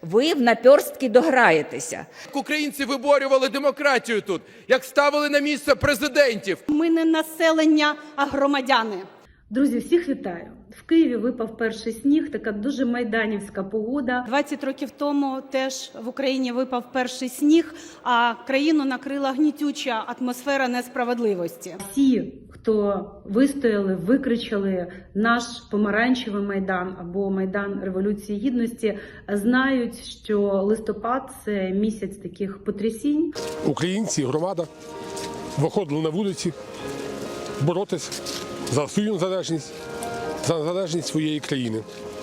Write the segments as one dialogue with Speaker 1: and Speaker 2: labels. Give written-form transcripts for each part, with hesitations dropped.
Speaker 1: ви в наперстки дограєтеся.
Speaker 2: Українці виборювали демократію тут, як ставили на місце президентів.
Speaker 3: Ми не населення, а громадяни.
Speaker 4: Друзі, всіх вітаю! В Києві випав перший сніг, така дуже майданівська погода.
Speaker 3: 20 років тому теж в Україні випав перший сніг, а країну накрила гнітюча атмосфера несправедливості.
Speaker 4: Всі, хто вистояли, викричали наш помаранчевий Майдан або Майдан Революції Гідності, знають, що листопад – це місяць таких потрясінь.
Speaker 5: Українці, громада виходили на вулиці боротися за свою незалежність, за незалежність своєї країни.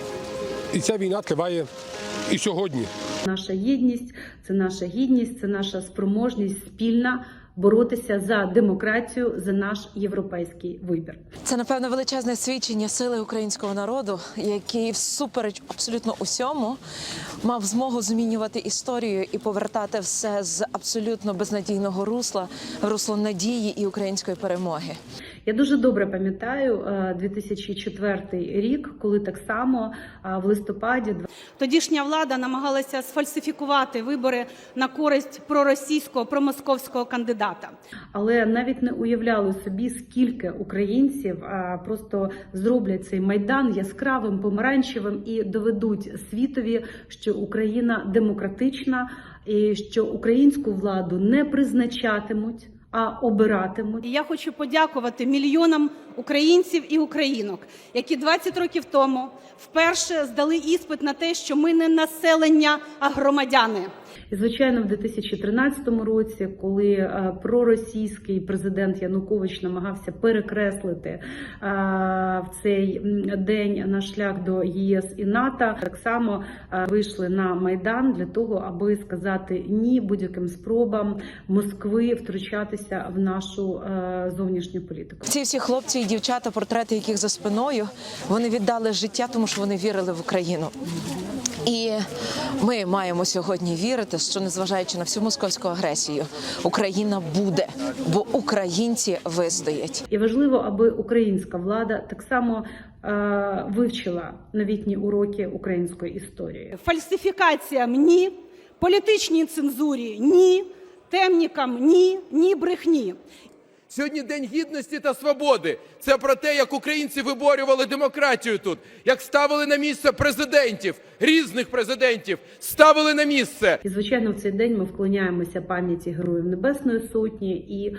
Speaker 5: І ця війна триває і сьогодні.
Speaker 4: Наша єдність – це наша гідність, це наша спроможність спільна боротися за демократію, за наш європейський вибір.
Speaker 6: Це, напевно, величезне свідчення сили українського народу, який всупереч абсолютно усьому мав змогу змінювати історію і повертати все з абсолютно безнадійного русла в русло надії і української перемоги.
Speaker 4: Я дуже добре пам'ятаю 2004 рік, коли так само в листопаді
Speaker 3: Тодішня влада намагалася сфальсифікувати вибори на користь проросійського, промосковського кандидата.
Speaker 4: Але навіть не уявляли собі, скільки українців просто зроблять цей Майдан яскравим, помаранчевим і доведуть світові, що Україна демократична і що українську владу не призначатимуть, а обиратимуть.
Speaker 3: І я хочу подякувати мільйонам українців і українок, які 20 років тому вперше здали іспит на те, що ми не населення, а громадяни.
Speaker 4: І, звичайно, в 2013 році, коли проросійський президент Янукович намагався перекреслити в цей день наш шлях до ЄС і НАТО, так само вийшли на Майдан для того, аби сказати ні будь-яким спробам Москви втручатися в нашу зовнішню політику.
Speaker 6: Ці всі хлопці і дівчата, портрети яких за спиною, вони віддали життя, тому що вони вірили в Україну. І ми маємо сьогодні вірити, що незважаючи на всю московську агресію, Україна буде, бо українці вистоять.
Speaker 4: І важливо, аби українська влада так само вивчила новітні уроки української історії.
Speaker 3: Фальсифікаціям – ні, політичній цензурі – ні, темнікам – ні, ні брехні.
Speaker 2: Сьогодні День Гідності та Свободи. Це про те, як українці виборювали демократію тут, як ставили на місце президентів, різних президентів, ставили на місце.
Speaker 4: І, звичайно, в цей день ми вклоняємося пам'яті Героїв Небесної Сотні і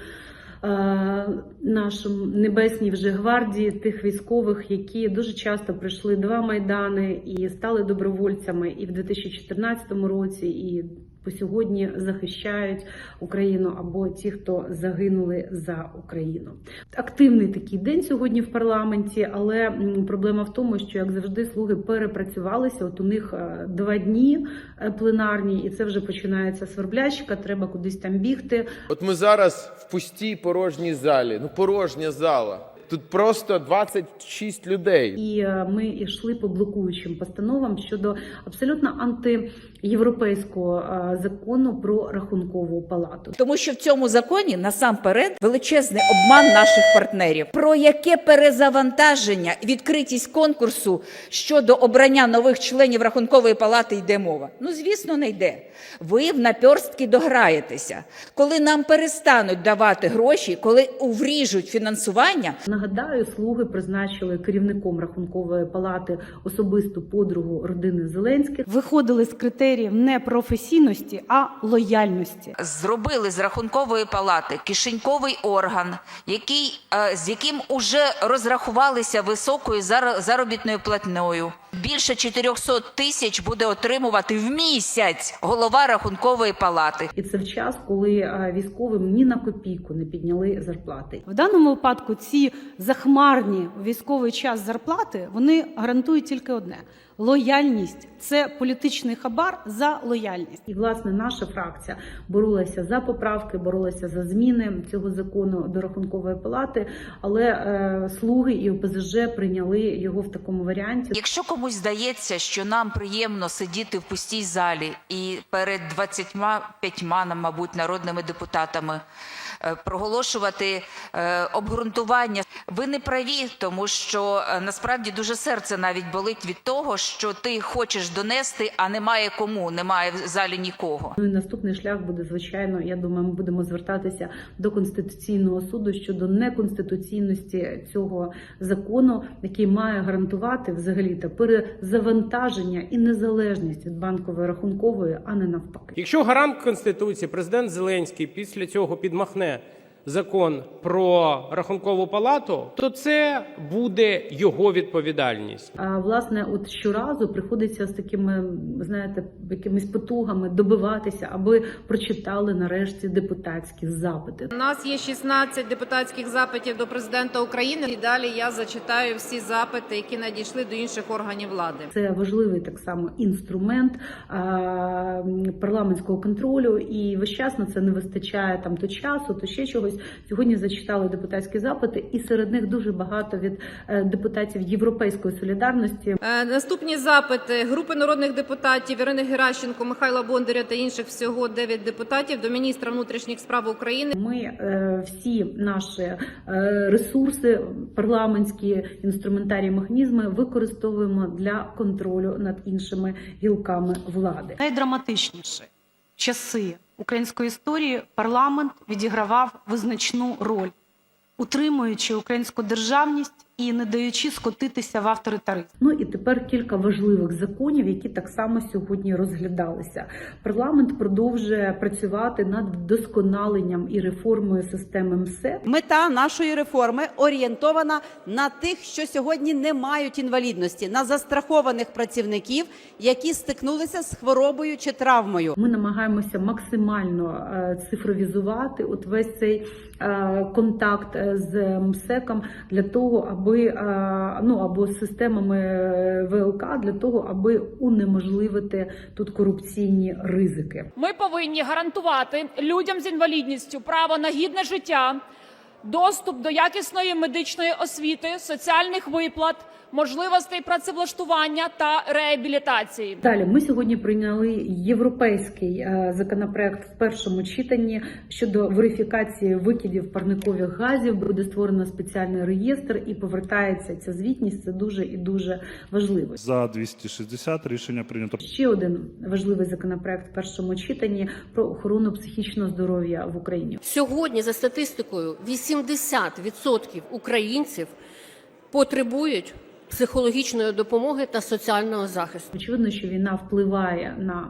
Speaker 4: нашому Небесній вже гвардії, тих військових, які дуже часто пройшли два Майдани і стали добровольцями і в 2014 році, і по сьогодні захищають Україну, або ті, хто загинули за Україну. Активний такий день сьогодні в парламенті, але проблема в тому, що, як завжди, слуги перепрацювалися. От у них 2 дні пленарні, і це вже починається сверблячка, треба кудись там бігти.
Speaker 2: От ми зараз в пустій порожній залі, порожня зала. Тут просто 26 людей.
Speaker 4: І ми йшли по блокуючим постановам щодо абсолютно антиєвропейського закону про Рахункову палату.
Speaker 1: Тому що в цьому законі насамперед величезний обман наших партнерів. Про яке перезавантаження, відкритість конкурсу щодо обрання нових членів Рахункової палати йде мова? Ну, звісно, не йде. Ви в наперстки дограєтеся. Коли нам перестануть давати гроші, коли увріжуть фінансування.
Speaker 4: Нагадаю, слуги призначили керівником Рахункової палати особисту подругу родини Зеленських.
Speaker 3: Виходили з критеріїв не професійності, а лояльності.
Speaker 1: Зробили з Рахункової палати кишеньковий орган, з яким уже розрахувалися високою заробітною платнею. Більше 400 тисяч буде отримувати в місяць голова Рахункової палати.
Speaker 4: І це в час, коли військовим ні на копійку не підняли зарплати.
Speaker 3: В даному випадку ці захмарні у військовий час зарплати, вони гарантують тільки одне – лояльність. Це політичний хабар за лояльність.
Speaker 4: І, власне, наша фракція боролася за поправки, боролася за зміни цього закону до Рахункової палати, але слуги і ОПЗЖ прийняли його в такому варіанті.
Speaker 1: Якщо комусь здається, що нам приємно сидіти в пустій залі і перед 25, мабуть, народними депутатами проголошувати обґрунтування, ви не праві, тому що насправді дуже серце навіть болить від того, що ти хочеш донести, а немає кому, немає в залі нікого.
Speaker 4: Ну і наступний шлях буде, звичайно, я думаю, ми будемо звертатися до Конституційного суду щодо неконституційності цього закону, який має гарантувати взагалі-то перезавантаження і незалежність від банкової рахункової, а не навпаки.
Speaker 7: Якщо гарант Конституції, президент Зеленський, після цього підмахне закон про Рахункову палату, то це буде його відповідальність.
Speaker 4: А власне, от щоразу приходиться з такими, знаєте, якимись потугами добиватися, аби прочитали нарешті депутатські запити.
Speaker 8: У нас є 16 депутатських запитів до президента України. І далі я зачитаю всі запити, які надійшли до інших органів влади.
Speaker 4: Це важливий так само інструмент парламентського контролю, і весь час на це не вистачає там то часу, то ще чогось. Сьогодні зачитали депутатські запити, і серед них дуже багато від депутатів Європейської солідарності.
Speaker 8: Наступні запити групи народних депутатів Ірини Геращенко, Михайла Бондаря та інших, всього 9 депутатів, до міністра внутрішніх справ України.
Speaker 4: Ми всі наші ресурси, парламентські інструментарії, механізми використовуємо для контролю над іншими гілками влади.
Speaker 9: Найдраматичніші часи української історії парламент відігравав визначну роль, утримуючи українську державність і не даючи скотитися в авторитаризм.
Speaker 4: Ну і тепер кілька важливих законів, які так само сьогодні розглядалися. Парламент продовжує працювати над вдосконаленням і реформою системи МСЕ.
Speaker 10: Мета нашої реформи орієнтована на тих, що сьогодні не мають інвалідності, на застрахованих працівників, які стикнулися з хворобою чи травмою.
Speaker 4: Ми намагаємося максимально цифровізувати от весь цей контакт з МСЕКом для того, аби або з системами ВЛК, для того, аби унеможливити тут корупційні ризики.
Speaker 11: Ми повинні гарантувати людям з інвалідністю право на гідне життя, доступ до якісної медичної освіти, соціальних виплат, можливостей працевлаштування та реабілітації.
Speaker 4: Далі ми сьогодні прийняли європейський законопроект в першому читанні щодо верифікації викидів парникових газів. Буде створено спеціальний реєстр і повертається ця звітність. Це дуже і дуже важливо.
Speaker 12: За 260 рішення прийнято.
Speaker 4: Ще один важливий законопроект в першому читанні про охорону психічного здоров'я в Україні.
Speaker 13: Сьогодні, за статистикою, 80% українців потребують психологічної допомоги та соціального захисту.
Speaker 4: Очевидно, що війна впливає на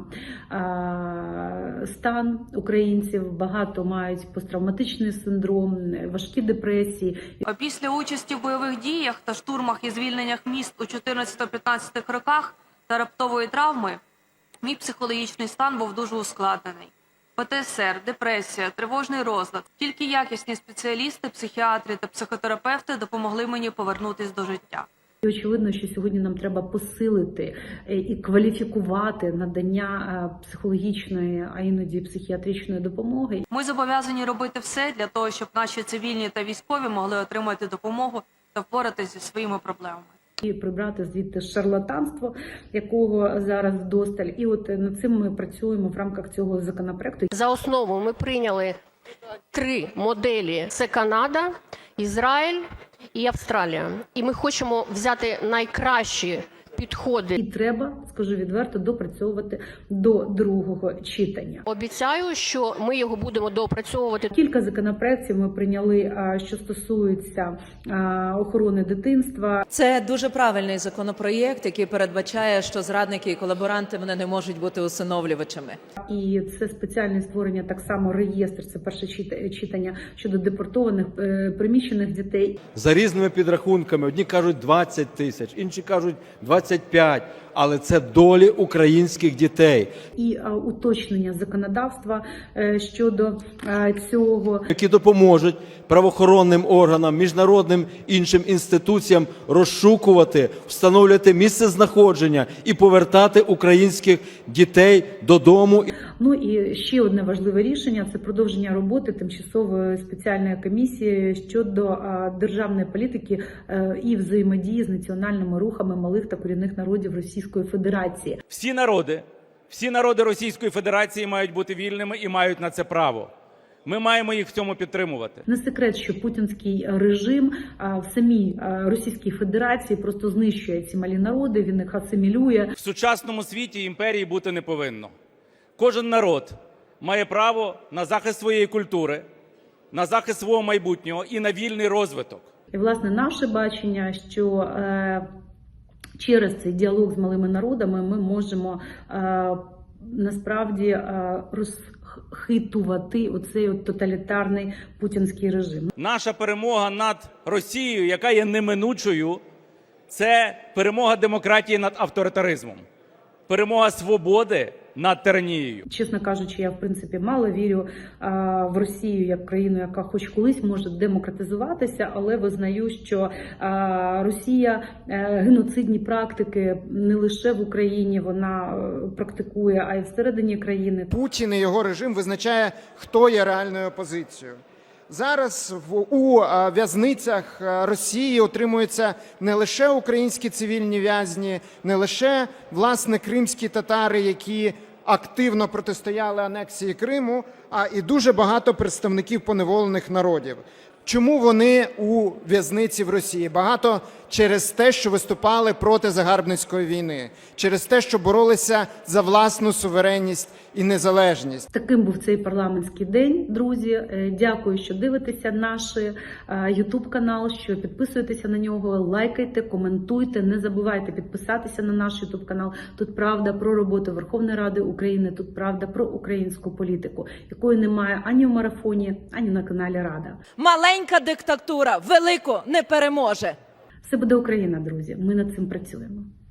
Speaker 4: стан українців. Багато мають посттравматичний синдром, важкі депресії.
Speaker 9: Після участі в бойових діях та штурмах і звільненнях міст у 14-15 роках та раптової травми мій психологічний стан був дуже ускладнений. ПТСР, депресія, тривожний розлад. Тільки якісні спеціалісти, психіатри та психотерапевти допомогли мені повернутися до життя.
Speaker 4: І очевидно, що сьогодні нам треба посилити і кваліфікувати надання психологічної, а іноді психіатричної допомоги.
Speaker 9: Ми зобов'язані робити все для того, щоб наші цивільні та військові могли отримати допомогу та впоратися зі своїми проблемами.
Speaker 4: І прибрати звідти шарлатанство, якого зараз вдосталь. І от над цим ми працюємо в рамках цього законопроекту.
Speaker 13: За основу ми прийняли 3 моделі. Це Канада, Ізраїль і Австралія. І ми хочемо взяти найкращі підходи.
Speaker 4: І треба, скажу відверто, допрацьовувати до другого читання.
Speaker 13: Обіцяю, що ми його будемо доопрацьовувати.
Speaker 4: Кілька законопроєктів ми прийняли, що стосуються охорони дитинства.
Speaker 10: Це дуже правильний законопроєкт, який передбачає, що зрадники і колаборанти вони не можуть бути усиновлювачами.
Speaker 4: І це спеціальне створення, так само реєстр, це перше читання щодо депортованих, приміщених дітей.
Speaker 14: За різними підрахунками, одні кажуть 20 тисяч, інші кажуть 25, але це долі українських дітей.
Speaker 4: І уточнення законодавства щодо цього.
Speaker 14: Які допоможуть правоохоронним органам, міжнародним іншим інституціям розшукувати, встановлювати місце знаходження і повертати українських дітей додому.
Speaker 4: Ну і ще одне важливе рішення – це продовження роботи тимчасової спеціальної комісії щодо державної політики і взаємодії з національними рухами малих та корінних народів Російської Федерації.
Speaker 7: Всі народи Російської Федерації мають бути вільними і мають на це право.
Speaker 15: Ми маємо їх в цьому підтримувати.
Speaker 4: Не секрет, що путінський режим в самій Російській Федерації просто знищує ці малі народи, він їх асимілює.
Speaker 15: В сучасному світі імперії бути не повинно. Кожен народ має право на захист своєї культури, на захист свого майбутнього і на вільний розвиток.
Speaker 4: І, власне, наше бачення, що через цей діалог з малими народами ми можемо насправді розхитувати оцей тоталітарний путінський режим.
Speaker 15: Наша перемога над Росією, яка є неминучою, це перемога демократії над авторитаризмом, перемога свободи над тиранією.
Speaker 4: Чесно кажучи, я в принципі мало вірю в Росію як країну, яка хоч колись може демократизуватися, але визнаю, що Росія геноцидні практики не лише в Україні вона практикує, а й всередині країни.
Speaker 16: Путін і його режим визначає, хто є реальною опозицією. Зараз у в'язницях Росії отримуються не лише українські цивільні в'язні, не лише, власне, кримські татари, які активно протистояли анексії Криму, а і дуже багато представників поневолених народів. Чому вони у в'язниці в Росії? Багато через те, що виступали проти загарбницької війни, через те, що боролися за власну суверенність і незалежність.
Speaker 4: Таким був цей парламентський день, друзі. Дякую, що дивитеся наш YouTube-канал, що підписуєтеся на нього, лайкайте, коментуйте, не забувайте підписатися на наш YouTube-канал. Тут правда про роботу Верховної Ради України, тут правда про українську політику, якої немає ані в марафоні, ані на каналі Рада.
Speaker 6: Маленька диктатура велику не переможе.
Speaker 4: Все буде Україна, друзі. Ми над цим працюємо.